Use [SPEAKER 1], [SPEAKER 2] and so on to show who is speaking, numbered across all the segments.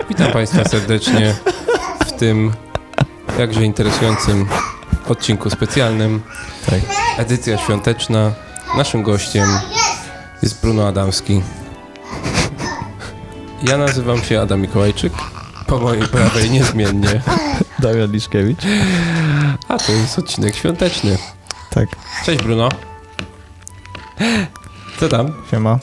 [SPEAKER 1] Witam Państwa serdecznie w tym jakże interesującym odcinku specjalnym.
[SPEAKER 2] Tak.
[SPEAKER 1] Edycja świąteczna. Naszym gościem jest Bruno Adamski. Ja nazywam się Adam Mikołajczyk. Po mojej prawej niezmiennie.
[SPEAKER 2] Damian Liszkiewicz.
[SPEAKER 1] A to jest odcinek świąteczny.
[SPEAKER 2] Tak.
[SPEAKER 1] Cześć Bruno. Co tam?
[SPEAKER 2] Siema.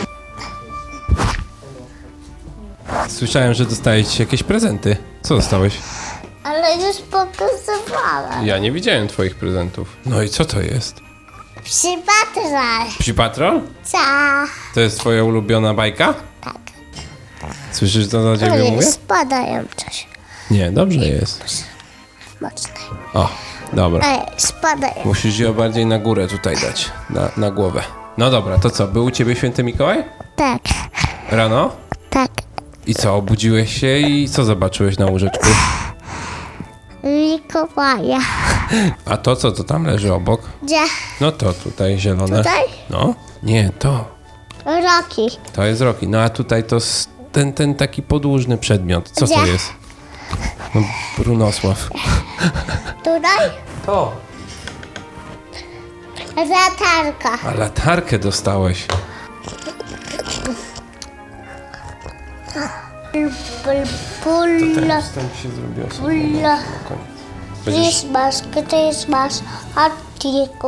[SPEAKER 1] Słyszałem, że dostałeś jakieś prezenty. Co dostałeś?
[SPEAKER 3] Ale już pokazywałem.
[SPEAKER 1] Ja nie widziałem twoich prezentów. No i co to jest?
[SPEAKER 3] Przypatraj.
[SPEAKER 1] Psi Patrol?
[SPEAKER 3] Co?
[SPEAKER 1] To jest twoja ulubiona bajka?
[SPEAKER 3] Tak.
[SPEAKER 1] Słyszysz, co do ciebie mówię?
[SPEAKER 3] Spadają coś.
[SPEAKER 1] Nie, dobrze jest.
[SPEAKER 3] Mocne.
[SPEAKER 1] O, dobra.
[SPEAKER 3] Ej, spadają.
[SPEAKER 1] Musisz ją bardziej na górę tutaj dać, na głowę. No dobra, to co, był u ciebie święty Mikołaj?
[SPEAKER 3] Tak,
[SPEAKER 1] Rano?
[SPEAKER 3] tak.
[SPEAKER 1] I co, obudziłeś się i co zobaczyłeś na łóżeczku?
[SPEAKER 3] Mikołaja.
[SPEAKER 1] A to co, to tam leży obok?
[SPEAKER 3] Gdzie?
[SPEAKER 1] No to tutaj zielone.
[SPEAKER 3] Tutaj?
[SPEAKER 1] No, nie, to.
[SPEAKER 3] Roki.
[SPEAKER 1] To jest Roki. No a tutaj to ten taki podłużny przedmiot. Co to
[SPEAKER 3] Gdzie?
[SPEAKER 1] jest? No, Brunosław.
[SPEAKER 3] Tutaj?
[SPEAKER 1] To.
[SPEAKER 3] Latarka.
[SPEAKER 1] A latarkę dostałeś.
[SPEAKER 3] Pulla.
[SPEAKER 1] Wstęp się zrobił
[SPEAKER 3] Pulla.
[SPEAKER 1] Będziesz...
[SPEAKER 3] Christmas, Christmas, Hattik,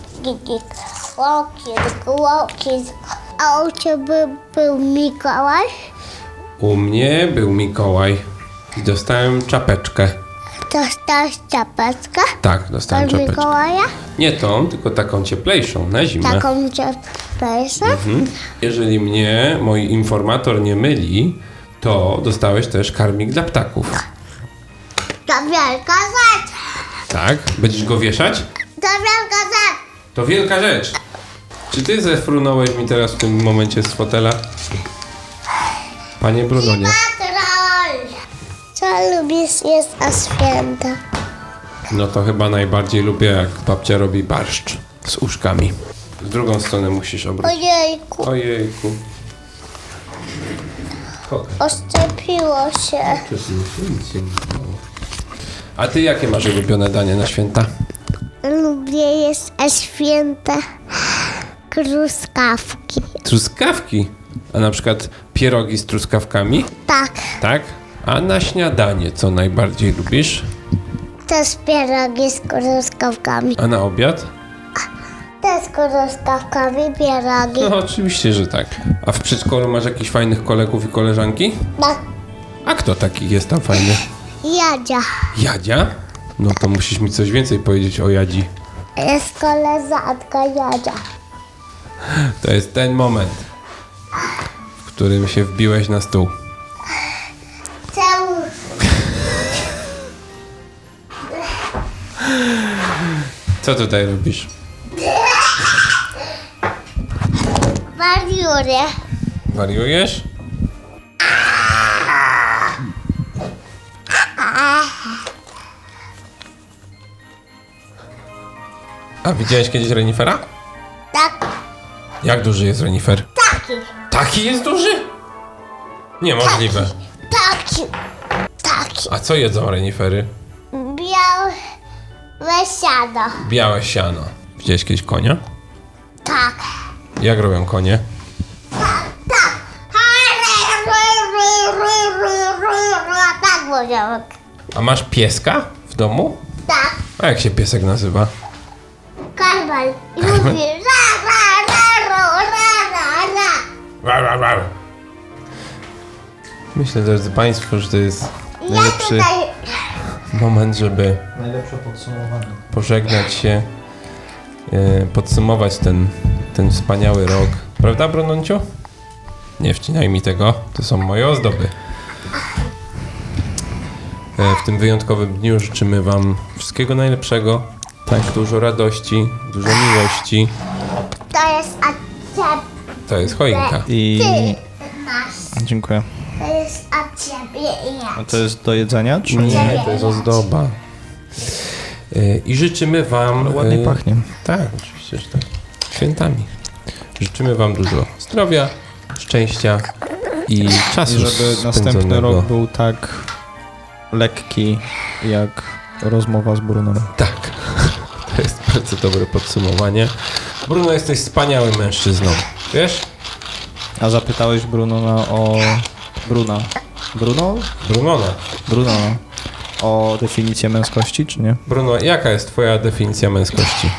[SPEAKER 3] Walking. A u ciebie był Mikołaj?
[SPEAKER 1] U mnie był Mikołaj i dostałem czapeczkę.
[SPEAKER 3] Dostałeś czapeczkę?
[SPEAKER 1] Tak, dostałem
[SPEAKER 3] Od
[SPEAKER 1] czapeczkę.
[SPEAKER 3] Mikołaja?
[SPEAKER 1] Nie tą, tylko taką cieplejszą, na zimę.
[SPEAKER 3] Taką czapeczkę?
[SPEAKER 1] Jeżeli mnie mój informator nie myli, to dostałeś też karmik dla ptaków.
[SPEAKER 3] To wielka rzecz!
[SPEAKER 1] Tak? Będziesz go wieszać?
[SPEAKER 3] To wielka rzecz!
[SPEAKER 1] To wielka rzecz. Czy ty zefrunąłeś mi teraz w tym momencie z fotela? Panie Brunonie.
[SPEAKER 3] Patrol! Co lubisz jeść na święta?
[SPEAKER 1] No to chyba najbardziej lubię, jak babcia robi barszcz z uszkami. W drugą stronę musisz obrócić.
[SPEAKER 3] Ojejku,
[SPEAKER 1] Ojejku. Pokaż.
[SPEAKER 3] oszczepiło się.
[SPEAKER 1] Nic się nie stało. A ty jakie masz ulubione danie na święta?
[SPEAKER 3] Lubię jeść na święta truskawki.
[SPEAKER 1] Truskawki. A na przykład pierogi z truskawkami?
[SPEAKER 3] Tak,
[SPEAKER 1] Tak? A na śniadanie co najbardziej lubisz?
[SPEAKER 3] też pierogi z truskawkami.
[SPEAKER 1] A na obiad?
[SPEAKER 3] Też z truskawkami pierogi.
[SPEAKER 1] No oczywiście, że tak. A w przedszkolu masz jakichś fajnych kolegów i koleżanki?
[SPEAKER 3] Tak,
[SPEAKER 1] A kto taki jest tam fajny?
[SPEAKER 3] Jadzia.
[SPEAKER 1] Jadzia? No to musisz mi coś więcej powiedzieć o Jadzi.
[SPEAKER 3] Jest koleżanka Jadzia.
[SPEAKER 1] To jest ten moment, w którym się wbiłeś na stół.
[SPEAKER 3] Czemu?
[SPEAKER 1] Co tutaj robisz?
[SPEAKER 3] Wariuję.
[SPEAKER 1] Wariujesz? A widziałeś kiedyś renifera?
[SPEAKER 3] Tak,
[SPEAKER 1] Jak duży jest renifer?
[SPEAKER 3] taki.
[SPEAKER 1] Taki jest duży? Niemożliwe.
[SPEAKER 3] Taki.
[SPEAKER 1] A co jedzą renifery?
[SPEAKER 3] Białe siano.
[SPEAKER 1] Białe siano. Widziałeś kiedyś konia?
[SPEAKER 3] Tak.
[SPEAKER 1] Jak robią konie?
[SPEAKER 3] Tak mówią.
[SPEAKER 1] A masz pieska w domu?
[SPEAKER 3] Tak.
[SPEAKER 1] A jak się piesek nazywa?
[SPEAKER 3] Karmel. I mówi ra, ra, ra, ra, ra, ra.
[SPEAKER 1] Rar, rar, rar. Myślę, drodzy Państwo, że to jest
[SPEAKER 3] Ja
[SPEAKER 1] najlepszy
[SPEAKER 3] tutaj...
[SPEAKER 1] moment, żeby
[SPEAKER 2] Najlepsze podsumowanie.
[SPEAKER 1] pożegnać się, podsumować ten wspaniały rok. Prawda, Brunonciu? Nie wcinaj mi tego, to są moje ozdoby. W tym wyjątkowym dniu życzymy Wam wszystkiego najlepszego, tak dużo radości, dużo miłości.
[SPEAKER 3] To jest od ciebie.
[SPEAKER 1] To jest choinka.
[SPEAKER 2] I
[SPEAKER 3] Ty masz.
[SPEAKER 2] dziękuję.
[SPEAKER 3] To jest od ciebie i ja.
[SPEAKER 2] A to jest do jedzenia, czy
[SPEAKER 1] Nie, to jest ozdoba. I życzymy Wam...
[SPEAKER 2] ładnie pachnie?
[SPEAKER 1] Tak, oczywiście, że tak. Świętami. Życzymy Wam dużo zdrowia, szczęścia i czasu
[SPEAKER 2] I żeby następny
[SPEAKER 1] spędzonego.
[SPEAKER 2] rok był tak lekki, jak rozmowa z Brunem.
[SPEAKER 1] Tak, to jest bardzo dobre podsumowanie. Bruno, jesteś wspaniałym mężczyzną. Wiesz?
[SPEAKER 2] A zapytałeś Brunona o... Bruna. Bruno?
[SPEAKER 1] Brunona.
[SPEAKER 2] Brunona. O definicję męskości, czy nie?
[SPEAKER 1] Bruno, jaka jest twoja definicja męskości?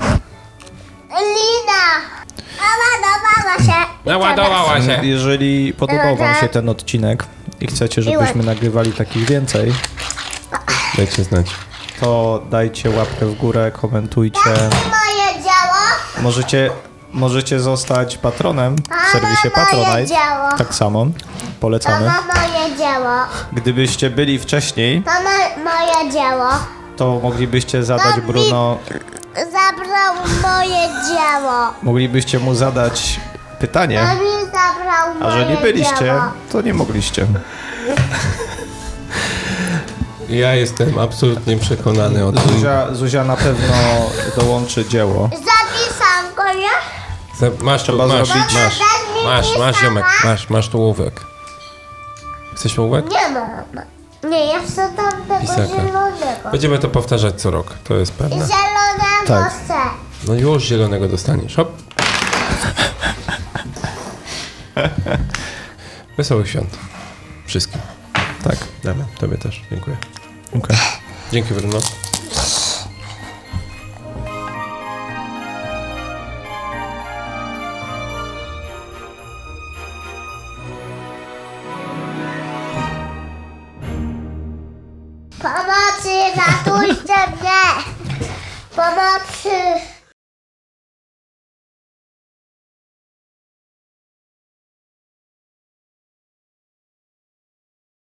[SPEAKER 3] Lina! Naładowała się.
[SPEAKER 1] Naładowała się.
[SPEAKER 2] Jeżeli podobał wam się ten odcinek i chcecie, żebyśmy nagrywali takich więcej,
[SPEAKER 1] Dajcie znać.
[SPEAKER 2] to dajcie łapkę w górę, komentujcie.
[SPEAKER 3] Moje działo.
[SPEAKER 2] Możecie zostać patronem w serwisie
[SPEAKER 3] moje
[SPEAKER 2] Patronite.
[SPEAKER 3] dzieło.
[SPEAKER 2] Tak samo. Polecamy.
[SPEAKER 3] Mama, moje dzieło.
[SPEAKER 2] Gdybyście byli wcześniej,
[SPEAKER 3] Mama, moje dzieło.
[SPEAKER 2] to moglibyście zadać
[SPEAKER 3] Dawid.
[SPEAKER 2] Bruno...
[SPEAKER 3] Zabrał moje dzieło.
[SPEAKER 2] Moglibyście mu zadać pytanie,
[SPEAKER 3] Dawid zabrał moje
[SPEAKER 2] a że nie byliście,
[SPEAKER 3] dzieło.
[SPEAKER 2] to nie mogliście.
[SPEAKER 1] Ja jestem absolutnie przekonany o tym.
[SPEAKER 2] Zuzia na pewno dołączy dzieło.
[SPEAKER 3] Zapisam go, nie?
[SPEAKER 1] Masz tu,
[SPEAKER 2] Trzeba
[SPEAKER 1] masz,
[SPEAKER 2] zrobić-
[SPEAKER 1] masz, ziomek, masz tu ołówek. Chcesz ołówek?
[SPEAKER 3] Nie ma. Nie, ja chcę tam tego
[SPEAKER 1] Pisaka.
[SPEAKER 3] zielonego.
[SPEAKER 1] Będziemy to powtarzać co rok, to jest pewne.
[SPEAKER 3] Zielonego
[SPEAKER 2] Tak.
[SPEAKER 3] chcę.
[SPEAKER 1] No już zielonego dostaniesz, hop. Wesołych świąt. Wszystkim.
[SPEAKER 2] Tak.
[SPEAKER 1] Dobra, tobie też, dziękuję.
[SPEAKER 2] Okej.
[SPEAKER 1] Dzięki, Bruno.
[SPEAKER 3] Pomocy, ratujcie mnie! Pomocy!